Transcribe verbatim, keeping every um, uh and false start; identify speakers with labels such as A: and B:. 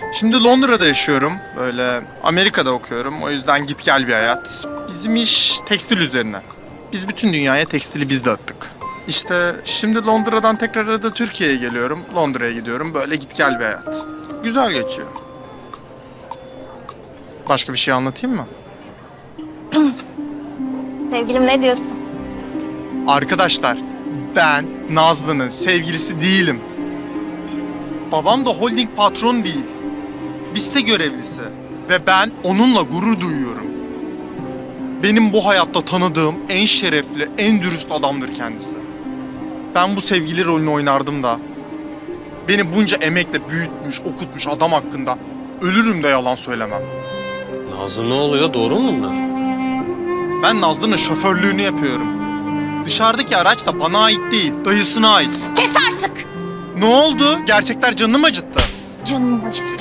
A: Şimdi Londra'da yaşıyorum. Böyle Amerika'da okuyorum. O yüzden git gel bir hayat. Bizim iş tekstil üzerine. Biz bütün dünyaya tekstili biz dağıttık. İşte şimdi Londra'dan tekrar arada Türkiye'ye geliyorum. Londra'ya gidiyorum. Böyle git gel bir hayat. Güzel geçiyor. Başka bir şey anlatayım mı?
B: Sevgilim ne diyorsun?
A: Arkadaşlar, ben Nazlı'nın sevgilisi değilim. Babam da holding patron değil. Bir site görevlisi. Ve ben onunla gurur duyuyorum. Benim bu hayatta tanıdığım en şerefli, en dürüst adamdır kendisi. Ben bu sevgili rolünü oynardım da beni bunca emekle büyütmüş, okutmuş adam hakkında ölürüm de yalan söylemem.
C: Nazlı ne oluyor? Doğru mu bunlar?
A: Ben Nazlı'nın şoförlüğünü yapıyorum. Dışarıdaki araç da bana ait değil, dayısına ait.
B: Kes artık!
A: Ne oldu? Gerçekler canını mı acıttı?
B: Canım acıdı.